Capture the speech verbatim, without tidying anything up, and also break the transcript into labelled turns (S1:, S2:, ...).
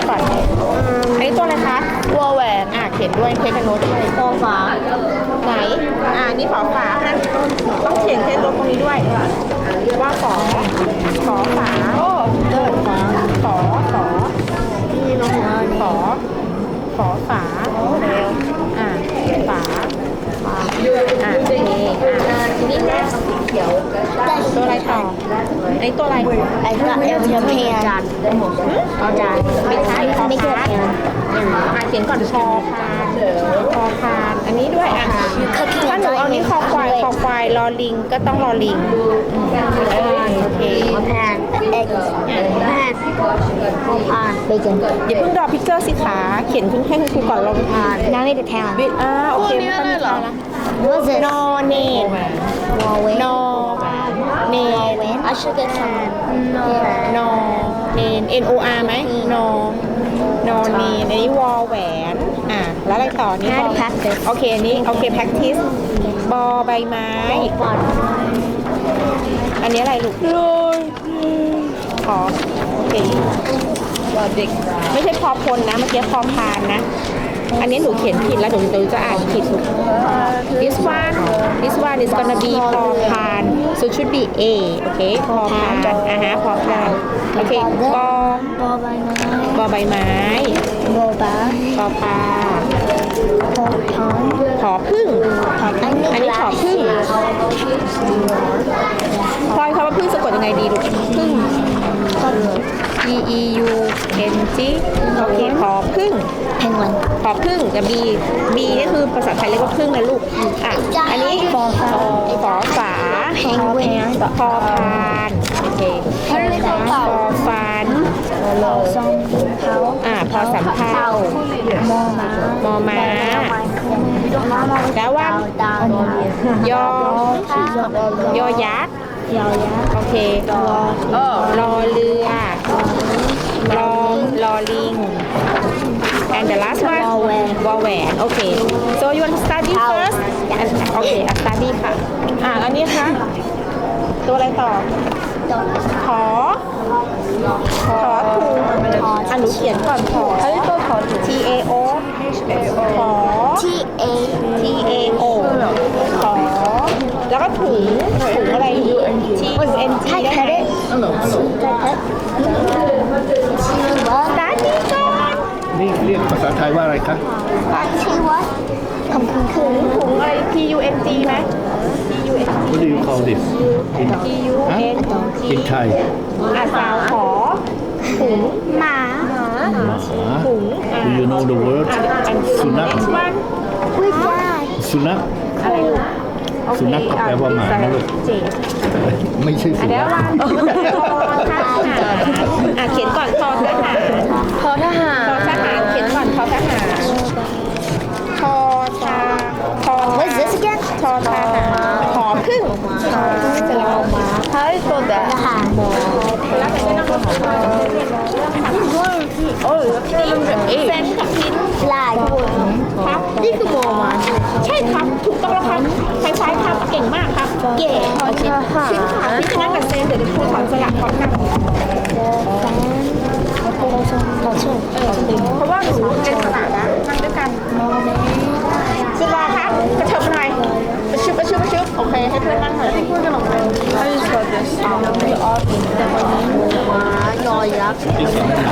S1: ก่อนอันนี้ตัวอะไรคะวอแหวนอ่ะเขียนด้วยเทคโนด้วยฟอฝาไหนอ่านี่ฝอฝานะต้องเขียนเทคโนตรงนี้ด้วยว่าฝอฝอฝาโอ้เดินฝอฝอฝอนี่ลงมาฝอฝอฝาเร็วอ่าฝาอ่าโอเคอ่าทีนี้แม่เขียวตัวอะไรต่อไอ้ตัวอะไรไอ้ตัวเอลเทียนจานเอาจานไม่ใช่ไม่เกี่ยวกันอ่าเขียนก่อนพอพานพอพานอันนี้ด้วยอ่ะถ้าหนูเอานี้คอควายคอควายรอลิงก็ต้องรอลิงโอเคแพนเอ็กซ์แพนพอพานไปกันอย่าเพิ่งรอพิกเจอร์สิขาเขียนเพิ่งให้คุณครูก่อนลงพานน้าไม่ได้แทนวิอ่าโอเคไม่ต้องมีแล้วนะ
S2: Was it?
S1: no name no name
S2: I should get some. No.
S1: no name n o r ไหม no no name อันนี้วอแหวนอ่ะแล้วอะไรต่อนี่บอ
S2: practice
S1: โอเคอันนี้โอเค practice บอใบไม้อันนี้อะไรลูกขอโอเคเด็กไม่ใช่พอพลนะเมื่อกี้พอพานนะอันนี้หนูเขียนผิดแล้วหนูหนูจะอ่านผิดลูก this one this one is gonna be พอพาน so should be a โอเคพอพานอ่ะฮะพอพานโอเคบอ
S2: Ball by my
S1: บอใบไม้
S2: ball bar.
S1: พอพา
S2: Ball pond.
S1: ผอพึ่งอันนี้ผอพึ่งพลอยคำว่าพึ่งสะกดยังไงดีลูกพึ่ง e e u n g โอเคผอพึ่ง
S2: Penguin.
S1: ผอพึ่งกับ b b นี่คือภาษาไทยเรียกว่าพึ่งนะลูกอ่ะอันนี้ฝอฝอฝา
S2: Penguin.
S1: พอพานโอเคพอฟัน
S2: Ball song. How?
S1: อ่าพอสำเภา
S2: More ma.
S1: มอม้าแล้วว่างยอยอยักษ์
S2: Yao ya.
S1: โอเคเออรอเรือรอรอลิง and the last one วอแหวนวอแหวนโอเค so you want to study first โอเค study ค่ะอ่าอันนี้ค่ะตัวอะไรต่อขอขอถูกอ่ะหนูเขียนก่อนขอเฮ้ยตัวขอ T A O ขอ
S2: T A.
S1: T A O ขอแล้วก็ถุงถุงอะไร T U N G ได้ไหม ตาดีก่อน
S3: นี่เรียกภาษาไทยว่าอะไรคะ
S2: She what? คำคุณคือ
S1: ถุงอะไร T U N G ไหม T U N G
S3: What do you call this in
S1: T U N G
S3: in Thai
S1: อ่ะสาวขอถุง
S2: หมา
S3: หมา
S1: ถุงอ่ะ
S3: Do you know the word
S1: อัน
S3: สุนัข
S1: next one
S2: อุ้ยได้
S3: สุนัข
S1: อะไรลูกโอเค
S3: สุนัขก็แปลว่าหมานะลูก
S1: เจ็ด
S3: ไม่ใช่
S1: อ่ะ
S3: สุ
S1: เดี๋ยว
S3: นัข
S1: วางทอทหารอ่ะเขียนก่อนทอทหารทอทหารทอทหารเขียนก่อนทอทหารทอชาทอ
S2: What is this again?
S1: ทอทหารหอพึ่งจะลองมาใช่ตัวแบบ
S2: ทหารบอ
S1: แล้วแต่ไม่ต้องโอ้ยเซนกับพิน
S2: ลาย
S1: ครับนี่คือโมมาใช่ครับถูกต้องแล้วครับคล้ายๆครับเก่งมากครับเก่งโอเคชิ้นขาพิชนะกับเซนเดี๋ยวครูสอนสลับพร้อมกัน
S2: เราชอบ
S1: เออเพราะว่าหนูเป็นสลับนะนั่งด้วยกันคุณรอครับกระเถิบหน่อยประชุบประชุบประชุบโอเคให้เพื่อนนั่งหน่อยให้เพื่อนกันลงไป
S2: ยอยักษ์
S3: This is